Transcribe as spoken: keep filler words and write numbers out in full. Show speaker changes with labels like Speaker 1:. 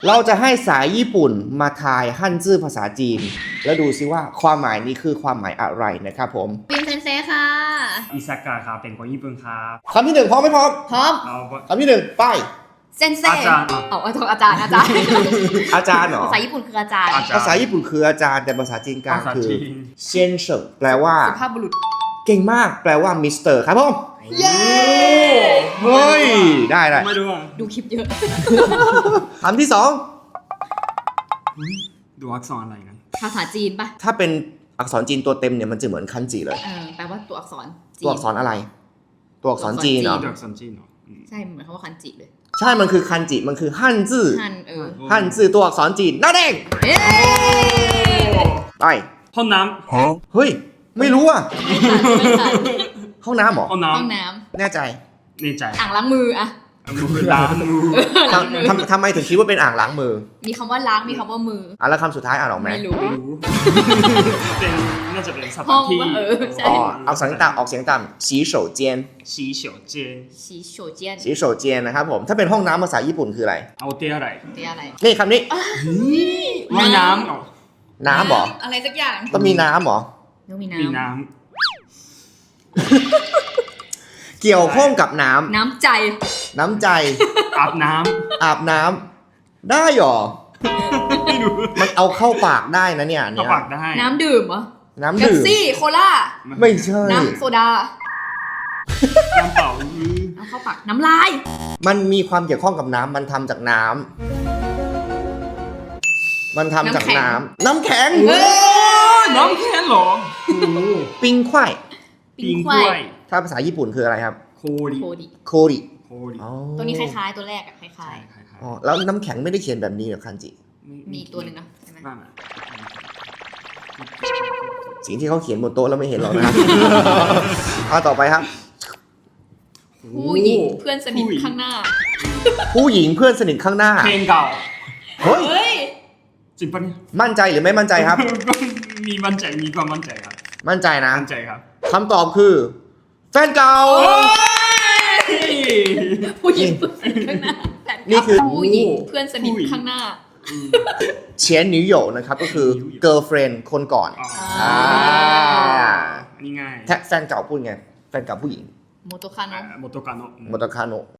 Speaker 1: เราจะให้สายญี่ปุ่นมาทายฮั่นจื้อภาษาจีนแล้วดูซิว่าความหมายนี้คือความหมายอะไรนะครับผม
Speaker 2: ปินเซนเซค่ะ
Speaker 3: อิซากะครับเป็นคนญี่ปุ่นครับ
Speaker 1: คำที่หนึ่งพร้อมไหมพร้อม
Speaker 2: พร้อม
Speaker 3: เอา
Speaker 1: คำที่หนึ่งไป
Speaker 2: เซนเซ
Speaker 3: อาจารย์
Speaker 2: เอาอาจารย์อาจารย์อาจารย์
Speaker 1: อาจารย์เหรอ
Speaker 2: ภาษาญี่ปุ่นคืออาจารย์
Speaker 3: อาจารย์
Speaker 1: ภาษาญี่ปุ่นคืออาจารย์แต่ภาษาจีนกลาง
Speaker 3: ภาษา
Speaker 1: คือ
Speaker 3: จีน
Speaker 1: เซียนเฉิงแปลว่า
Speaker 2: สุภาพบุรุษ
Speaker 1: เก่งมากแปลว่ามิสเตอร์ครับผม
Speaker 2: เย้
Speaker 1: เฮ้ยได้ได้
Speaker 3: ไม่รู้อ่ะ
Speaker 2: ดูคลิปเยอะ
Speaker 1: คำที่สอง
Speaker 3: ดูอักษรอะไรกัน
Speaker 2: ภาษาจีนปะ
Speaker 1: ถ้าเป็นอักษรจีนตัวเต็มเนี่ยมันจะเหมือนคันจิเลย
Speaker 2: เออแปลว่าตัวอักษรจีน
Speaker 1: ตัวอักษรอะไร ตัวอักษรจีนเหรอ
Speaker 3: ดูอักษรจีนเหรออืม
Speaker 2: ใช่เหมือนคำว่าคันจิเลย
Speaker 1: ใช่มันคือคันจิมันคือฮั่นจื้อ
Speaker 2: ฮันเออ
Speaker 1: ฮั่นจื้อตัวอักษรจีนนั่นเอง
Speaker 2: เอ๊ะ
Speaker 1: ไป
Speaker 3: ห้องน้
Speaker 1: เฮ้ยไม่รู้อ่ะ
Speaker 2: ไม่ทันไม่ทัน
Speaker 1: ห้องน้ำเหรอ
Speaker 3: ำห้อง
Speaker 2: ห้อง
Speaker 3: น้ำ
Speaker 2: น้
Speaker 1: แน่ใจ
Speaker 3: ในใจ
Speaker 2: ำอ่างล้างมืออะ
Speaker 3: มือล้างมือ
Speaker 1: ทำทำทำไมถึงคิดว่าเป็นอ่างล้างมือ
Speaker 2: มีคำว่าล้างมีคำว่ามือ
Speaker 1: อ่ะแล้วคำสุดท้ายอ่านออกไหม
Speaker 2: ไม่รู้
Speaker 3: ไม่รู้เป็นน่าจะเป็นส
Speaker 2: ห้
Speaker 3: ถา
Speaker 2: อน ง
Speaker 3: ที่
Speaker 2: ว่าเออใช่
Speaker 1: อ๋อเอาเสียงต่ำออกเสียงต่ำสีโฉเจียน
Speaker 3: สีเฉียวเจน
Speaker 2: สีโฉเจียน
Speaker 1: สีโฉเจียนนะครับผมถ้าเป็นห้องน้ำภาษาญี่ปุ่นคืออะไร
Speaker 3: เอาเตี้ยอะไร
Speaker 2: เรียกอะไร
Speaker 1: นี่คำนี้
Speaker 3: ว่ายน้ำเอา
Speaker 1: น้ำเหรอ
Speaker 2: อะไรสักอย่าง
Speaker 1: ต้องมีน้ำเหรอ
Speaker 2: ต้องมี
Speaker 3: มี
Speaker 2: น้ำ
Speaker 3: น้
Speaker 1: เกี่ยวข้องกับน้ำ
Speaker 2: น้ำใจ
Speaker 1: น้ำใจ
Speaker 3: ำอาบน้
Speaker 1: อาบน้ำได้เหรอ
Speaker 3: ำไม่รู้
Speaker 1: มันเอาเข้าปากได้นะเนี่ย
Speaker 3: เอา
Speaker 1: เนี่ย
Speaker 3: ปากได้
Speaker 2: น้ำดื่มเหรอ
Speaker 1: น้ำ
Speaker 2: เป๊ป
Speaker 1: ดื่ม
Speaker 2: ซี่โคล่า
Speaker 1: ไม่ใช่
Speaker 2: น้ำโซดา
Speaker 3: น้ำเปล่าอือ
Speaker 2: เอาเข้าปากน้ำลาย
Speaker 1: มันมีความเกี่ยวข้องกับน้ำมันทำจากน้ำมันทำจากน้ำน้ำแข็ง
Speaker 2: เฮ้ย
Speaker 3: น้ำแข็งเหรอโอ้โห
Speaker 1: ปิงควาย
Speaker 2: ปิงควาย
Speaker 1: ถ้าภาษาญี่ปุ่นคืออะไรครับ
Speaker 3: โคริ
Speaker 2: โคดิ
Speaker 1: โคริ
Speaker 3: โคริ
Speaker 1: อ๋อ
Speaker 2: ตัวนี้คล้ายๆ ตัวแรกอะคล้าย
Speaker 3: ใช่คล้าย
Speaker 1: อ๋อแล้วน้ำแข็งไม่ได้เขียนแบบนี้เหรอคันจิ
Speaker 2: ๆ มีตัวหนึ่งเนาะใช่ไหม
Speaker 3: นั่นน่ะ
Speaker 1: สิ่งที่เขาเขียนบนโต๊ะเราไม่เห็นหรอกนะครับ เอาต่อไปครับ
Speaker 2: ผู้หญิงเพื่อนสนิทข้างหน้า
Speaker 1: ผู้หญิงเพื่อนสนิทข้างหน้า
Speaker 3: เพลงเก่า
Speaker 1: เฮ้ย
Speaker 2: เฮ้ย
Speaker 3: จริงปะเนี่ย
Speaker 1: มั่นใจหรือไม่มั่นใจครับ
Speaker 3: ก็มีมั่นใจมีความมั่นใจครับ
Speaker 1: มั่นใจนะ
Speaker 3: มั่นใจครับ
Speaker 1: คำตอบคือ แฟนเก่า
Speaker 2: ผู้หญิงเพื่อนสนิทข้างหน้าแฟน
Speaker 1: นี่คือ
Speaker 2: ผู้หญิงเพื่อนสนิทข้างหน้า
Speaker 1: เฉียนหนิวโหยนะครับก็คือ girlfriend คนก่อน
Speaker 3: อ๋อ
Speaker 1: อ่า
Speaker 3: อันนี้ง่าย
Speaker 1: แท็กแฟนเก่าพูดไง แฟนเก่าผู้หญิง
Speaker 2: โมโตคาโนะ
Speaker 3: โมโตกาโนะ
Speaker 1: โมโตคาโนะ